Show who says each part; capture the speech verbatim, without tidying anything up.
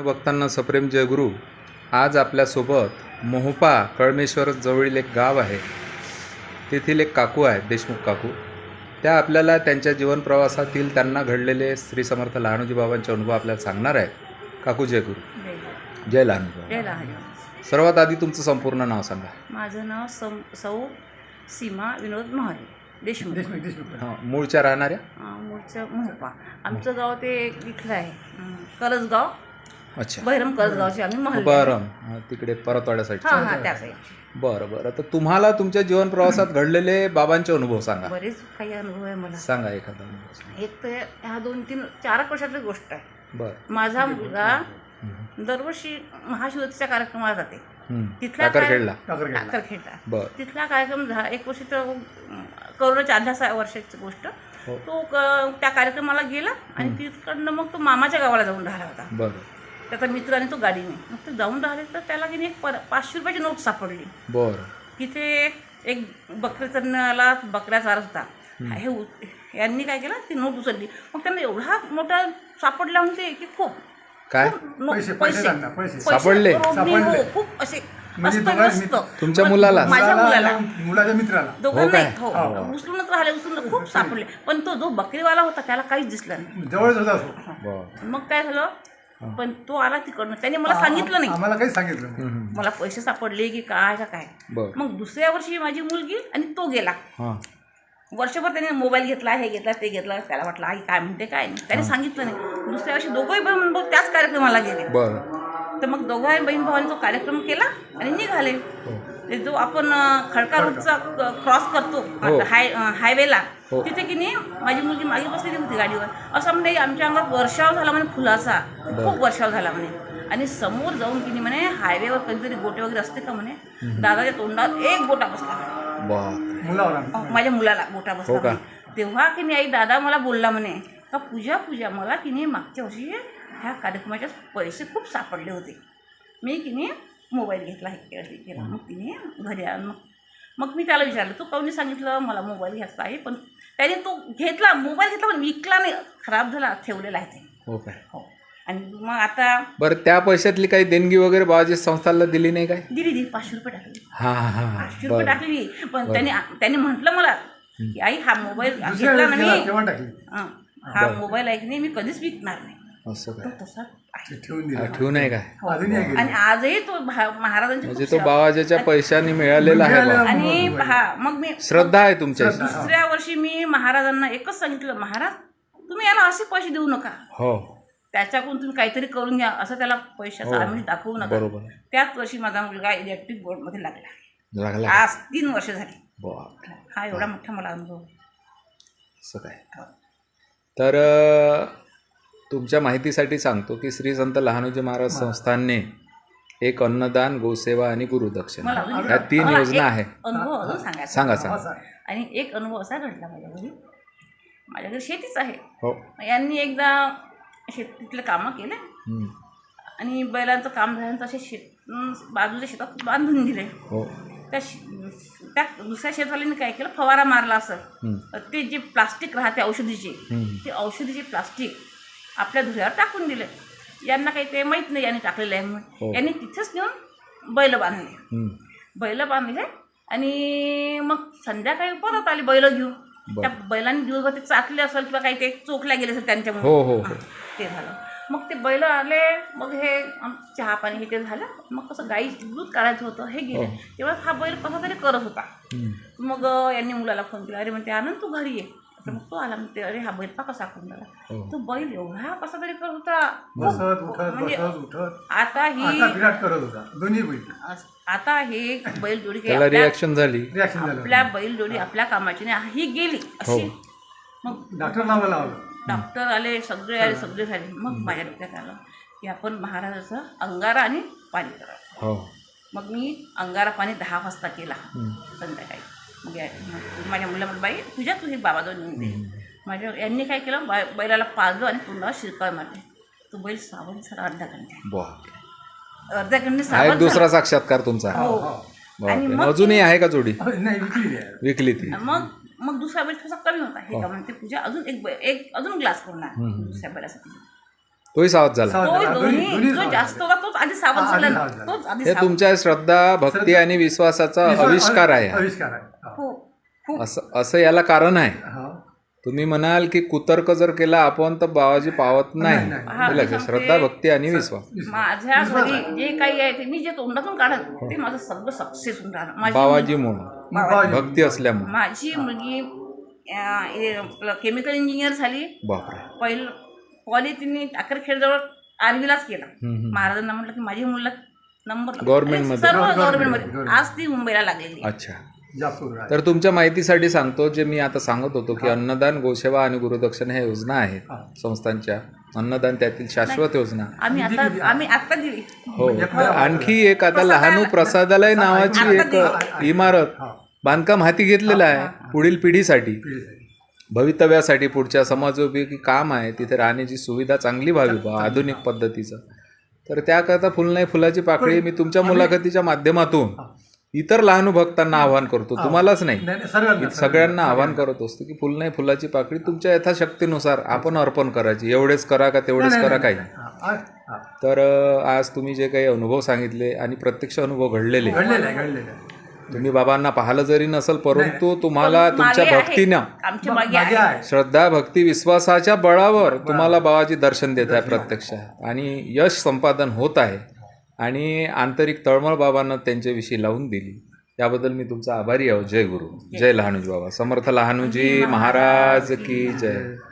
Speaker 1: भक्तांना सप्रेम जयगुरु. आज आपल्यासोबत मोहोपा कळमेश्वर जवळील एक गाव आहे, तेथील एक काकू आहेत, देशमुख काकू. त्या आपल्याला त्यांच्या जीवन प्रवासातील त्यांना घडलेले श्री समर्थ लहानोजी बाबांचे अनुभव आपल्याला सांगणार आहेत. काकू जय गुरु. जय लहानोजी बाबा.
Speaker 2: जय लहानोजी.
Speaker 1: सर्वात आधी तुमचं संपूर्ण नाव सांगा.
Speaker 2: माझं नाव सौ सौ सीमा विनोद महाले देशमुख.
Speaker 1: हां, मूळच्या राहणाऱ्या?
Speaker 2: मूळचं मोहोपा. आमचं गाव ते इथलं आहे, करजगाव.
Speaker 1: अच्छा,
Speaker 2: बहिरम करजगावचे आम्ही महल.
Speaker 1: बरं, तिकडे परतवाड्या साईड.
Speaker 2: हां हां त्या साईड.
Speaker 1: बरं बरं. तर तुम्हाला तुमच्या जीवन प्रवासात घडलेले बाबांचे अनुभव सांगा.
Speaker 2: बरेच काही अनुभव आहे मला.
Speaker 1: सांगा एखादा अनुभव.
Speaker 2: एक तर ह्या दोन तीन चार एक वर्षातली गोष्ट आहे.
Speaker 1: बरं.
Speaker 2: माझा मुलगा दरवर्षी महाशिवरात्रीच्या कार्यक्रमाला जाते. तिथला
Speaker 1: टाकरखेडला.
Speaker 2: टाकरखेडला.
Speaker 1: बरं.
Speaker 2: तिथला कार्यक्रम झाला एक वर्षी, तर करोनाच्या आधल्या वर्षाची गोष्ट. तो त्या कार्यक्रमाला गेला आणि तिकडनं मग तो मामाच्या गावाला जाऊन राहिला होता.
Speaker 1: बरं.
Speaker 2: त्याचा मित्र आणि तो गाडीने मग ते जाऊन राहिले, तर त्याला की नाही एक पर पाचशे रुपयाची नोट सापडली.
Speaker 1: बरं.
Speaker 2: तिथे एक बकरी चरणाला बकऱ्या चारत होता. हे उ- यांनी काय केलं, ती नोट उचलली. मग त्यांना एवढा मोठा सापडला म्हणते की खूप
Speaker 1: काय
Speaker 2: नो-
Speaker 3: पैसे-
Speaker 2: पैसे
Speaker 3: पैसे लागतात, पैसे.
Speaker 1: सापडले?
Speaker 2: रोडनी, हो,
Speaker 3: सापडले.
Speaker 2: खूप असे
Speaker 3: म्हणजे
Speaker 2: मस्त
Speaker 3: दोघांनी-
Speaker 2: मस्त.
Speaker 1: तुमच्या
Speaker 2: मग
Speaker 1: मुलाला?
Speaker 2: माझ्या मुलाला,
Speaker 3: मुलाच्या मित्राला.
Speaker 2: दोघांना
Speaker 1: काय?
Speaker 2: हो उचलूनच राहिले, उचलून खूप सापडले. पण तो जो बकरीवाला होता त्याला काहीच दिसलं नाही.
Speaker 3: जवळच होता तो.
Speaker 1: बरं.
Speaker 2: मग काय झालं, पण तो आला तिकडनं, त्याने मला सांगितलं नाही
Speaker 3: आम्हाला काही सांगितलं नाही.
Speaker 1: हम्म.
Speaker 2: मला पैसे सापडले की काय का काय.
Speaker 1: बरं.
Speaker 2: मग दुसऱ्या वर्षी माझी मुलगी आणि तो गेला.
Speaker 1: हां.
Speaker 2: वर्षभर त्याने मोबाईल घेतला, हे घेतला, ते घेतला. त्याला वाटलं आई काय म्हणते काय नाही, त्याने सांगितलं नाही. दुसऱ्या वर्षी दोघंही बहीण भाऊ त्याच कार्यक्रमाला गेले.
Speaker 1: बरं.
Speaker 2: तर मग दोघाही बहीण भावाने तो कार्यक्रम केला आणि निघाले. ते जो आपण अं, खडका रोडचा क्रॉस करतो
Speaker 1: हो.
Speaker 2: हाय हायवेला,
Speaker 1: हो.
Speaker 2: तिथे की नाही माझी मुलगी मागे बसलेली होती गाडीवर. असं म्हणजे आमच्या अंगात वर्षाव झाला म्हणे फुलाचा, खूप वर्षाव झाला म्हणे. आणि समोर जाऊन की नाही म्हणे हायवेवर कधीतरी गोटे वगैरे असते का म्हणे, दादाच्या तोंडात एक गोटा बसला म्हणे.
Speaker 1: बरं.
Speaker 3: मुलावर
Speaker 2: अं, माझ्या मुलाला गोटा बसला
Speaker 1: हो का?
Speaker 2: म्हणे. तेव्हा की नाही आई दादा मला बोलला म्हणे का पूजा पूजा मला की नाही मागच्या वर्षी ह्या कार्यक्रमाचे पैसे खूप सापडले होते. मी की नाही मोबाईल घेतला, हे केला. मग तिने घरी आण मग मग मी त्याला विचारलं तू काहून सांगितलं मला मोबाईल घ्यायचा आहे. पण त्याने तो घेतला, मोबाईल घेतला पण विकला नाही, खराब झाला, ठेवलेला आहे ते.
Speaker 1: हो काय?
Speaker 2: हो. आणि मग आता
Speaker 1: बरं, त्या पैशातली काही देणगी वगैरे बाबाजी संस्थाला दिली नाही काय?
Speaker 2: दिली दिली पाचशे रुपये टाकली.
Speaker 1: हां हां हां.
Speaker 2: पाचशे रुपये
Speaker 1: बरं.
Speaker 2: टाकली. पण त्याने त्याने म्हटलं मला की आई हा मोबाईल
Speaker 3: दुसऱ्या
Speaker 2: घेतला
Speaker 3: वेळेस
Speaker 2: ना
Speaker 3: गेला
Speaker 2: मी,
Speaker 3: तेव्हा टाकली.
Speaker 2: हं, हा
Speaker 1: बरं.
Speaker 2: मोबाईल आहे की नाही मी कधीच विकणार नाही.
Speaker 1: असं
Speaker 2: तो
Speaker 1: काय?
Speaker 2: तसा आहे.
Speaker 3: ते ठेवून
Speaker 1: हा,
Speaker 3: दिला.
Speaker 1: ठेवू नाही काय?
Speaker 3: अजूनही आहे
Speaker 2: आणि
Speaker 3: गेली.
Speaker 2: आजही तो भा- महाराजांची
Speaker 1: म्हणजे
Speaker 2: खूप
Speaker 1: तो
Speaker 2: सेवा-
Speaker 1: बाबाजीच्या पैशाने मिळालेला आहे
Speaker 3: मिळालेला
Speaker 1: बा.
Speaker 2: आणि हा मग मी
Speaker 1: श्रद्धा आहे तुमच्या.
Speaker 3: श्रद्धा.
Speaker 2: दुसऱ्या वर्षी मी महाराजांना एकच सांगितलं, महाराज तुम्ही याला असे पैसे देऊ नका,
Speaker 1: हो,
Speaker 2: त्याच्याकडून तुम्ही काहीतरी करून घ्या, असं त्याला पैशाचं
Speaker 1: हो.
Speaker 2: आमिष दाखवू नका.
Speaker 1: बरोबर.
Speaker 2: त्याच वर्षी माझा मुलगा इलेक्ट्रिक बोर्डमध्ये लागला.
Speaker 1: लागला.
Speaker 2: आज तीन वर्ष झाली.
Speaker 1: बाप.
Speaker 2: हा एवढा मोठा मला अनुभव.
Speaker 1: असं काय? तर अ, तुमच्या माहितीसाठी सांगतो की श्री संत लहानोजी महाराज संस्थानने एक अन्नदान, गोसेवा आणि गुरुदक्षिणा
Speaker 2: मला अजून-
Speaker 1: ह्या तीन
Speaker 2: मला
Speaker 1: योजना
Speaker 2: एक
Speaker 1: आहे.
Speaker 2: अनुभव अजून सांगायचा.
Speaker 1: सांगा सांगा.
Speaker 3: असा.
Speaker 2: आणि एक अनुभव असा घडला माझ्या घरी. माझ्या घरी शेतीच आहे.
Speaker 1: हो.
Speaker 2: यांनी एकदा शेतीतले कामं केले
Speaker 1: हम्म.
Speaker 2: आणि बैलांचं काम झाल्यानंतर असे शेत अं, बाजूच्या शेतात बांधून दिले.
Speaker 1: हो.
Speaker 2: त्या शे- त्या दुसऱ्या शेतवाल्यांनी काय केलं, फवारा मारला असं.
Speaker 1: हम्म.
Speaker 2: ते जे प्लास्टिक राहते औषधीचे,
Speaker 1: हम्म.
Speaker 2: ते औषधीचे प्लास्टिक आपल्या धुऱ्यावर टाकून दिले. यांना काही ते माहीत नाही यांनी टाकलेलं आहे म्हणून.
Speaker 1: हो.
Speaker 2: यांनी तिथेच नेऊन बैल बांधले.
Speaker 1: हम्म.
Speaker 2: बैल बांधले आणि मग संध्याकाळी परत आले बैल घेऊन.
Speaker 1: बरं.
Speaker 2: त्या बैलांनी दिवसभर ते चाकले असेल किंवा काही ते चोखल्या गेले असेल त्यांच्यामुळे.
Speaker 1: हो, हो, हो.
Speaker 2: हां, ते झालं. मग ते बैल आले, मग हे आम- चहा पाणी हे ते झालं. मग कसं गाई दूध काढायचं होतं, हे गेले.
Speaker 1: हो.
Speaker 2: तेव्हा हा बैल कसा तरी करत होता.
Speaker 1: हम्म.
Speaker 2: मग अं, यांनी मुलाला फोन केला, अरे म्हणते आनंद तू घरी ये. तर मग तो आला, म्हणते अरे हा बैल पा कसा करून झाला.
Speaker 1: हो.
Speaker 2: तो बैल एवढा कसा तरी करत होता.
Speaker 3: बसत उठत
Speaker 2: म्हणजे
Speaker 3: बसत उठत
Speaker 2: आता ही
Speaker 3: आता विराट करत होता दोन्ही बैल.
Speaker 2: आता हे बैलजोडी काही
Speaker 1: त्याला
Speaker 2: आपल्या-
Speaker 1: रिॲक्शन झाली.
Speaker 3: रिॲक्शन झालं.
Speaker 2: आपल्या बैलजोडी आपल्या कामाची नाही, ही गेली अशी.
Speaker 1: हो.
Speaker 2: मग
Speaker 3: डॉक्टर नावाला लावलं.
Speaker 2: डॉक्टर आले, सगळे आले, सगळे झाले. मग माझ्या डोक्यात आलं की आपण महाराजाचं अंगारा आणि पाणी करावं.
Speaker 1: हो.
Speaker 2: मग मी अंगारा पाणी दहा वाजता केला
Speaker 1: हम्म.
Speaker 2: संध्याकाळी. मग या- मग माझ्या मुला म्हणत बाई तुझ्या तू हे बाबा जाऊन येऊन दे. माझ्या यांनी काय केलं, बा बैलाला पाजलं आणि तोंडावर शिरकाळ मारले. तो बैल सावध झाला अर्ध्या घंटे.
Speaker 1: बाप.
Speaker 2: अर्ध्या घंटे
Speaker 1: हा एक
Speaker 2: सावध
Speaker 1: दुसरा
Speaker 2: झाला.
Speaker 1: साक्षात्कार तुमचा.
Speaker 2: हो.
Speaker 1: बापरे.
Speaker 2: आणि मग
Speaker 1: अजूनही आहे का जोडी?
Speaker 3: नाही विकली आहे.
Speaker 1: विकली ती?
Speaker 2: मग मग दुसरा बैल थोडासा कमी होता. हे का म्हणते पूजा अजून एक बै- एक अजून ग्लास करून आण
Speaker 1: हम्म.
Speaker 2: दुसऱ्या बैलासाठी.
Speaker 1: तोही सावध झाला.
Speaker 3: सावध
Speaker 2: तो
Speaker 3: झाला. दोन्ही-
Speaker 2: दोन्ही
Speaker 3: दोन्ही
Speaker 2: जो
Speaker 3: सावध
Speaker 2: जास्त
Speaker 3: झाला.
Speaker 2: होता तोच आधी सावध
Speaker 3: हा, आधी
Speaker 2: झाला
Speaker 3: सावध झाला.
Speaker 2: तोच आधी
Speaker 1: हे
Speaker 2: सावध.
Speaker 1: तुमच्या श्रद्धा भक्ती आणि विश्वासाचा
Speaker 3: विश्वास-
Speaker 1: आविष्कार आहे हा.
Speaker 3: आविष्कार आहे हा.
Speaker 2: खूप खूप
Speaker 1: असं असं याला कारण आहे.
Speaker 3: हा.
Speaker 1: तुम्ही म्हणाल की कुतर्क जर केला आपण तर बाबाजी पावत नाही.
Speaker 3: नाही, नाही.
Speaker 2: हा,
Speaker 1: हे लक्षात.
Speaker 2: मी सांगते.
Speaker 1: श्रद्धा भक्ती आणि विश्वास.
Speaker 3: विश्वास.
Speaker 2: माझ्या
Speaker 3: विश्वास
Speaker 2: घरी
Speaker 3: आहे.
Speaker 2: जे काही आहे ते मी जे तोंडातून काढत ते माझं सगळं सक्सेस होऊन राहणं. माझी
Speaker 1: बाबाजी म्हणून
Speaker 3: बाबाजी.
Speaker 1: भक्ती असल्यामुळे.
Speaker 2: माझी मुलगी केमिकल इंजिनियर झाली.
Speaker 1: बापरे.
Speaker 2: पहिलं कॉलेज तिने टाकरखेडजवळ आर्मीलाच केला.
Speaker 1: हम्म, हम्म.
Speaker 2: महाराजांना म्हटलं की माझी मुलं नंबर लागला.
Speaker 1: Government मध्ये.
Speaker 2: सर्व
Speaker 3: Government
Speaker 2: गव्हर्नमेंटमध्ये
Speaker 3: मध्ये.
Speaker 2: आज ती मुंबईला लागलेली आहे.
Speaker 1: अच्छा.
Speaker 3: जापूर आहे.
Speaker 1: तर तुमच्या माहितीसाठी सांगतो जे मी आता सांगत होतो की अन्नदान गोसेवा आणि गुरुदक्षिणा ह्या योजना आहेत
Speaker 3: हा.
Speaker 1: संस्थांच्या. अन्नदान त्यातील शाश्वत योजना.
Speaker 2: आम्ही आता आम्ही आता दिली.
Speaker 1: हो.
Speaker 3: एक-
Speaker 1: आणखी एक आता
Speaker 2: प्रसादालय-
Speaker 1: लहानू प्रसादालय नावाची
Speaker 2: आता
Speaker 1: एक
Speaker 2: दिली.
Speaker 1: इमारत
Speaker 3: हा.
Speaker 1: बांधकाम हाती घेतलेलं आहे पुढील पिढीसाठी,
Speaker 3: पिढीसाठी.
Speaker 1: भवितव्यासाठी. पुढच्या समाजोपयोगी काम आहे. तिथे राहण्याची सुविधा चांगली व्हावी बा आधुनिक पद्धतीचं. तर त्याकरता फुल नाही फुलाची पाकळी मी तुमच्या मुलाखतीच्या माध्यमातून इतर लहानू भक्तांना आवाहन करतो, तुम्हालाच नाही
Speaker 3: नाही, नाही, सर्वांना
Speaker 1: सगळ्यांना आवाहन करत असतो की फुल नाही फुलाची पाकळी तुमच्या यथाशक्तीनुसार आपण अर्पण करायची. एवढेच करा का तेवढेच
Speaker 3: नाही,
Speaker 1: करा
Speaker 3: नाही,
Speaker 1: काही.
Speaker 3: नाही. हा, हा.
Speaker 1: तर अ, आज तुम्ही जे काही अनुभव सांगितले आणि प्रत्यक्ष अनुभव घडलेले,
Speaker 3: घडलेलं आहे घडलेलं आहे.
Speaker 1: तुम्ही बाबांना पाहिलं जरी नसेल परंतु तुम्हाला
Speaker 2: पण
Speaker 1: तुमच्या
Speaker 2: मागे आहे.
Speaker 1: भक्तीनं
Speaker 2: आमच्या
Speaker 3: मग
Speaker 2: मागे
Speaker 3: मागे
Speaker 2: आहे.
Speaker 3: आहे.
Speaker 1: श्रद्धा भक्ती विश्वासाच्या बळावर तुम्हाला बाबाजी दर्शन देत आहे प्रत्यक्ष आणि यश संपादन होत आहे आणि आंतरिक तळमळ बाबांना त्यांच्याविषयी लावून दिली. याबद्दल मी तुमचा आभारी आहो. जय गुरु, जय लहानूजी बाबा. समर्थ लहानूजी महाराज की जय.